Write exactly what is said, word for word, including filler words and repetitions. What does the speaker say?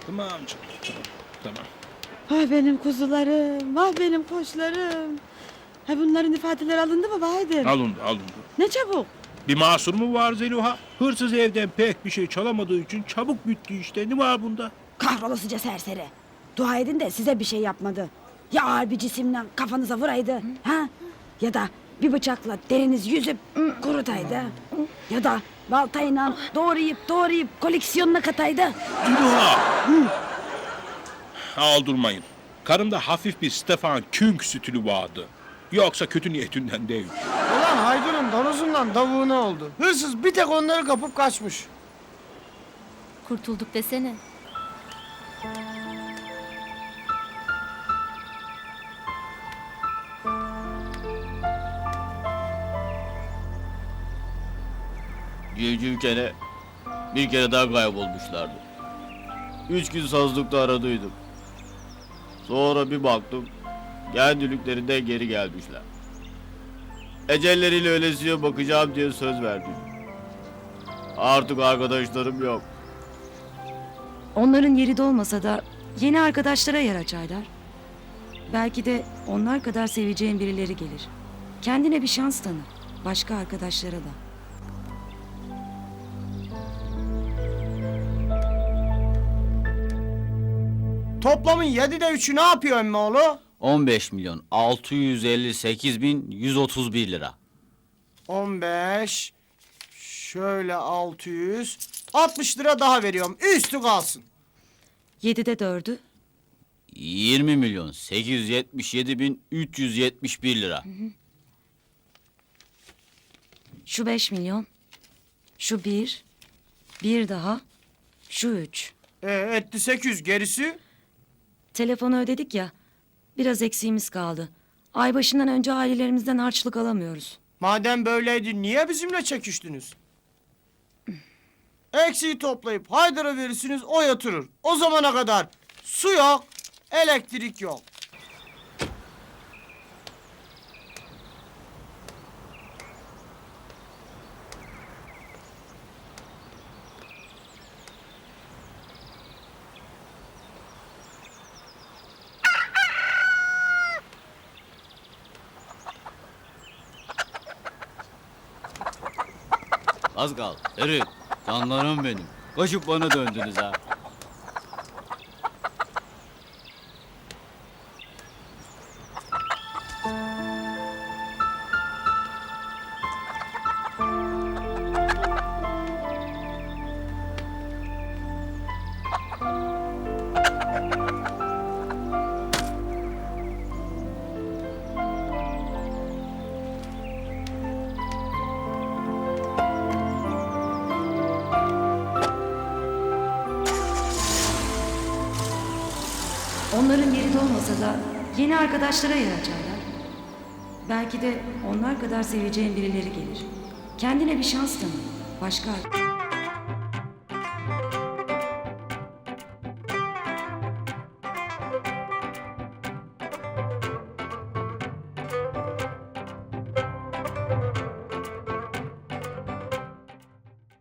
Tamam canım. Tamam. Tamam. Vah benim kuzularım, vah benim koçlarım. Ha bunların ifadeleri alındı mı Bahadır? Alındı alındı. Ne çabuk. Bir mahsur mu var Zeliha? Hırsız evden pek bir şey çalamadığı için çabuk bitti işte. Ne var bunda? Kahrolasıca serseri. Dua edin de size bir şey yapmadı. Ya ağır bir cisimle kafanıza vuraydı. Ha? Ya da bir bıçakla deriniz yüzüp kurutaydı. Ya da baltayla doğrayıp doğrayıp koleksiyonuna kataydı. Zeliha! Aldırmayın. Karımda hafif bir Stefan Küng stili vardı. Yoksa kötü niyetinden değil. Ulan Haydun'un danozundan davuğuna oldu. Hırsız bir tek onları kapıp kaçmış. Kurtulduk desene. Civcivkene bir kere daha kaybolmuşlardı. Üç gün sazlıkta aradıydım. Sonra bir baktım, kendiliklerinden geri gelmişler. Ecelleriyle ölesiye bakacağım diye söz verdim. Artık arkadaşlarım yok. Onların yeri de olmasa da yeni arkadaşlara yer açarlar. Belki de onlar kadar seveceğin birileri gelir. Kendine bir şans tanı. Başka arkadaşlara da. Toplamın yedide üçü ne yapıyor emmoğlu? on beş milyon altı yüz elli sekiz bin yüz otuz bir lira. on beş. Şöyle altı yüz. altmış lira daha veriyorum. Üstü kalsın. Yedide dördü. yirmi milyon sekiz yüz yetmiş yedi bin üç yüz yetmiş bir lira. Şu beş milyon. Şu bir. Bir daha. Şu üç. E, etti sekiz yüz gerisi. Telefonu ödedik ya. Biraz eksiğimiz kaldı. Ay başından önce ailelerimizden harçlık alamıyoruz. Madem böyleydi niye bizimle çekiştiniz? Eksiği toplayıp Haydar'a verirsiniz o yatırır. O zamana kadar su yok, elektrik yok. Az kal. Ferit, canlarım benim. Koşup bana döndünüz ha. Onların yeri de olmasa da yeni arkadaşlara yer açarlar. Belki de onlar kadar seveceğin birileri gelir. Kendine bir şans tanı. Başka